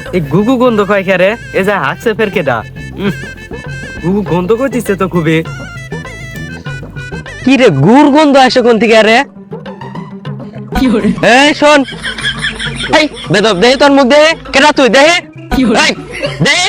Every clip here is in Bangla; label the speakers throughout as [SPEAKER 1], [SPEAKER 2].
[SPEAKER 1] এই গুগু গন্ধ কয় খেরে এ যা হাসছে ফের কেডা গুগু গন্ধ করতেছে তো খুবই। কি রে গুড় গন্ধ আসে কোন থেকে রে? এই শোন, এই বেদব দেহে তোর মুখ দেহে কেডা তুই দেহে এই দেহে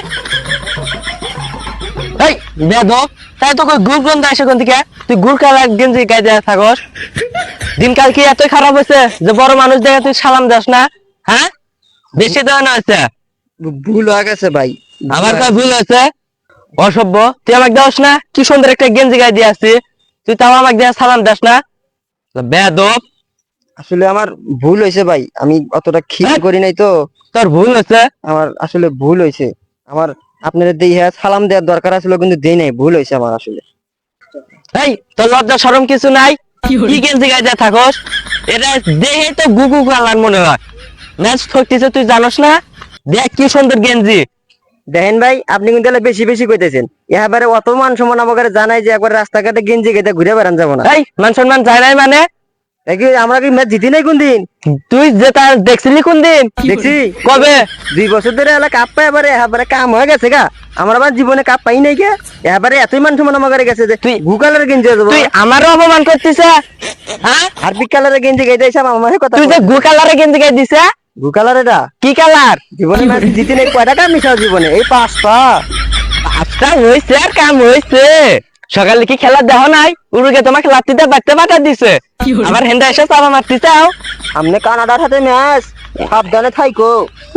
[SPEAKER 1] এই বেদব তাই তো কই গুড় গন্ধ আসে কোন থেকে? তুই গুড় কালার গেঞ্জি গায়ে দেয়া থাকস। দিনকাল কি এতই খারাপ হয়েছে যে বড় মানুষ দেখে তুই সালাম দাস না? হ্যাঁ বেশি দেওয়া না হয়েছে।
[SPEAKER 2] ভুল হয়ে গেছে ভাই।
[SPEAKER 1] আমার কাছে ভুল হয়েছে। অসভ্য, তুই আমাকে দাস না? কি সুন্দর একটা গেঞ্জি গায়ে দিয়ে আসছি, তুই তাও আমাকে দিয়ে সালাম দাস না? বেদব,
[SPEAKER 2] আসলে আমার ভুল হয়েছে ভাই, আমি অতটা খেয়াল করি নাই তো।
[SPEAKER 1] তোর ভুল হয়েছে।
[SPEAKER 2] আমার আসলে ভুল হয়েছে। আমার আপনাদের দিয়ে সালাম দেওয়ার দরকার আসলে, কিন্তু দেই নাই, ভুল হয়েছে আমার আসলে।
[SPEAKER 1] এই তোর লজ্জা শরম কিছু নাই? কি গেঞ্জি গায়ে দিয়ে থাকস? এটা দেখে তো গুগু কালার মনে হয়। ম্যাচ ঠকতেছে তুই জানোস না? দেখ কি সুন্দর গেঞ্জি।
[SPEAKER 2] দেখেন ভাই, আপনি কিন্তু তাহলে বেশি বেশি কইতেছেন। এবারে অত মান সম্মান আমাকে জানাই যে একবার রাস্তাঘাটে গেঞ্জি গেতে ঘুরে বেড়ান যাবো না।
[SPEAKER 1] এই মান সম্মান যায় নাই মানে?
[SPEAKER 2] আমরা কি ম্যাচ জিতি নাই কোন দিন?
[SPEAKER 1] তুই যে তার দেখছিলি কোন দিন?
[SPEAKER 2] দেখছি
[SPEAKER 1] কবে?
[SPEAKER 2] 2 বছর ধরে এলা কাপ পাই, এবারে কাম হয়ে গেছে গা। আমার আবার জীবনে কাপ পাই নাই কে। এবারে এতই মান সম্মান আমাকে গেছে যে তুই গুকালের গেঞ্জি যাবো।
[SPEAKER 1] তুই আমারও অপমান করতিস? হ্যাঁ,
[SPEAKER 2] হারপিক কালারের গেঞ্জি গাইতে এসে আমার কথা।
[SPEAKER 1] তুই যে গু কালারের গেঞ্জি গায়ে দিছে।
[SPEAKER 2] গুকালার এটা
[SPEAKER 1] কি কালার?
[SPEAKER 2] জীবনে ম্যাচ জিতি নাই কয়টা কাপ মিশাও জীবনে? এই 5টা।
[SPEAKER 1] আচ্ছা হয়েছে আর কাম হয়েছে। সকালে কি খেলা দেখো নাই? উরুগে তোমাকে লাত্তিতে বাড়তে বাটা দিছে, আবার হেন্দা এসে চাপা মারতে চাও।
[SPEAKER 2] আমনে কানাডার সাথে ম্যাচ, সাবধানে থাইকো।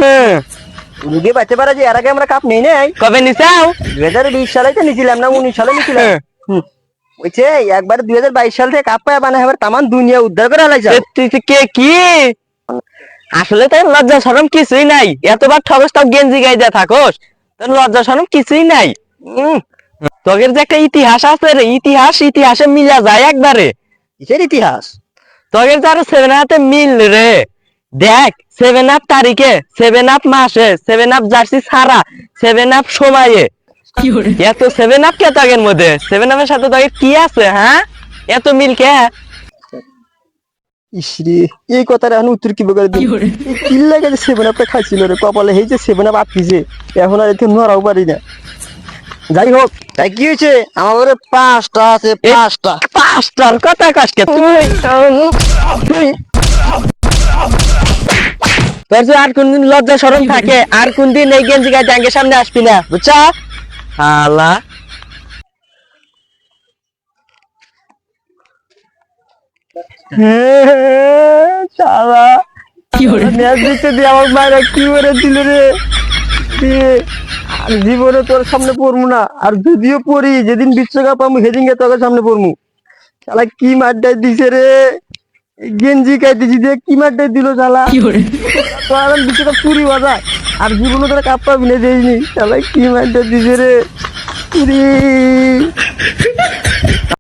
[SPEAKER 2] উরুগে বাঁচতে পারে যে এর আগে আমরা কাপ নেই নাই।
[SPEAKER 1] কবে নিচাও?
[SPEAKER 2] 2020 সালে তো নিছিলাম না, 19 সালে নিছিলাম। ওইছে একবার 2022 সাল থেকে কাপ পায় মানে এবার তামান দুনিয়া উদ্ধার করে আলাইছে।
[SPEAKER 1] তুই কে কি? আসলে তোর লজ্জা শরম কিছুই নাই। এতবার ঠগস তাও গেঞ্জি গায়ে দিয়ে থাকস, তোর লজ্জা শরম কিছুই নাই। তোদের যে একটা ইতিহাস আছে রে, ইতিহাসে মিলা যায় একবারে।
[SPEAKER 2] কিসের ইতিহাস?
[SPEAKER 1] তোদের যে আরো 7 হাতে মিল রে। দেখ 7 আপ তারিখে, 7 আপ মাসে, 7 আপ জার্সি ছাড়া, 7 আপ সময়ে। এত 7 আপ কে তোদের মধ্যে? 7 আপের সাথে তোদের কি আছে? হ্যাঁ, এত মিল কে?
[SPEAKER 2] ইসরে, এই কথাটা এখন উত্তর কি বলে দিই? এই কিল্লা গেছে 7 আপটা খাইছিল রে কপালে, এই যে 7 আপ আটকিছে, এখন আর এতে নড়াও পারি না। যাই হোক, তাই কি হয়েছে? আমার ঘরে 5টা আছে, 5টা।
[SPEAKER 1] 5টার কথা কাজকে তুই তোর যে আর কোনদিন লজ্জা শরম থাকে, আর কোনদিন এই গেঞ্জি গায়ে ব্যাংকের সামনে আসবি না, বুঝছা? হালা শালা ম্যাচ জিততে দিয়ে আমার মায়েরা কি করে দিল রে।
[SPEAKER 2] আর জীবনে তোর সামনে পড়বো না, আর যদিও পড়ি যেদিন বিশ্বকাপ আমি সেদিনকে তোর সামনে পড়বো। শালা কি মারটাই দিছে রে, গেঞ্জি খাইতেছি দিয়ে কি মারটাই দিল শালা। তো আর বিশ্বকাপ চুরি বাজায়, আর জীবনে তোরা কাপ পাবি না দেয়নি। শালা কি মারটা দিছে রে।